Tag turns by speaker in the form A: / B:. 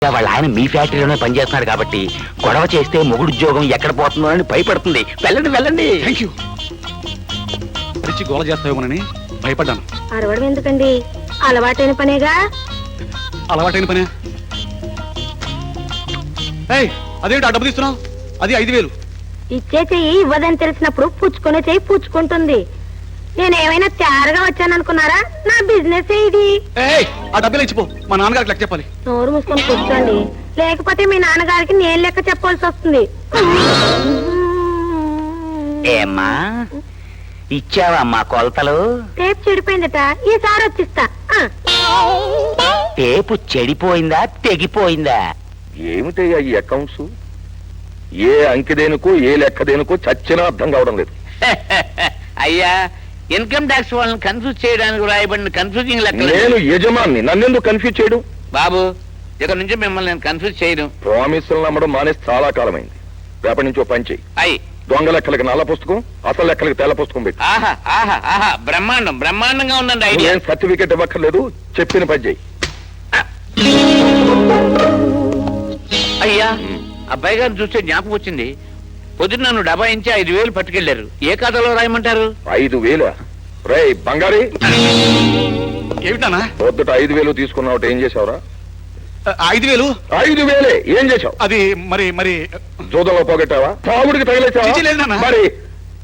A: వాళ్ళ ఆయన మీ ఫ్యాక్టరీలోనే పనిచేస్తున్నాడు కాబట్టి గొడవ చేస్తే మొగుడు ఉద్యోగం ఎక్కడ పోతుందో అని భయపడుతుంది. వెళ్ళండి వెళ్ళండి.
B: Thank you. గోల చేస్తావేమోనని భయపడ్డాను.
C: అరవడం ఎందుకండి, అలవాటైన పనేగా.
B: అలవాటైన పనే. అదేంటి ఆ డబ్బు తీస్తున్నావు? అది 5,000.
C: ఇచ్చే చెయ్యి ఇవ్వదని తెలిసినప్పుడు పుచ్చుకునే చెయ్యి పుచ్చుకుంటుంది. నేనేమైనా తయారుగా వచ్చాననుకున్నారా? నా బిజినెస్ ఇది.
B: ఆ డబ్బులు ఇచ్చిపో, మా నాన్నగారికి లెక్క చెప్పాలి.
C: నోరు మూసుకొని కూర్చోండి, లేకపోతే మీ నాన్నగారికి నేను లెక్క చెప్పాల్సి వస్తుంది.
A: ఏమ్మా ఇచ్చావా మా కొలతలు?
C: టేప్ చెడిపోయిందట, ఈసారి వచ్చిస్తా.
A: టేపు చెడిపోయిందా తెగిపోయిందా?
D: ఏమిటయ్యా ఈ అకౌంట్స్? ఏ అంకెదేనుకో ఏ లెక్కదేనుకో చచ్చినా అర్థం కావడం లేదు.
A: అయ్యా, ఇన్కమ్ ట్యాక్స్ వాళ్ళని కన్ఫ్యూజ్ చేయడానికి రాయబడిన కన్ఫ్యూజింగ్ లెక్క.
D: నేను యజమాన్ని, నన్నెందుకు కన్ఫ్యూజ్ చేయడం?
A: బాబు, ఇక్కడ నుంచి మిమ్మల్ని నేను కన్ఫ్యూజ్ చేయను.
D: ప్రామిసులు నమ్మడం మానేసి చాలా కాలమైంది. రేపటి నుంచి ఓ పని చెయ్యి.
A: అయ్యి
D: దొంగ లెక్కలకి నల్ల పుస్తకం, అసలు లెక్కలకి తెల్ల పుస్తకం పెట్టి.
A: ఆహా ఆహా ఆహా, బ్రహ్మాండం బ్రహ్మాండంగా ఉందండి ఐడియా.
D: ఏం సర్టిఫికెట్ ఇవ్వక్కర్లేదు, చెప్పిన పని చెయ్యి.
A: అయ్యా, అబ్బాయి గారిని చూస్తే జ్ఞాపకం వచ్చింది. పొద్దున్న నన్ను డబాయించి 5,000 పట్టుకెళ్లారు. ఏ ఖాతాలో రాయమంటారు?
D: 5,000? రే బంగారీ,
B: ఏమిటానా?
D: పొద్దుట 5,000 తీసుకున్నావు, ఏం చేసావురా?
B: 5,000?
D: 5,000 ఏం చేసావు?
B: అది మరి
D: జూదంలో పోగొట్టావా? తాగుడికి
B: చిచి లేదు
D: తగిలేసావా?
B: నాన్న.
D: మరి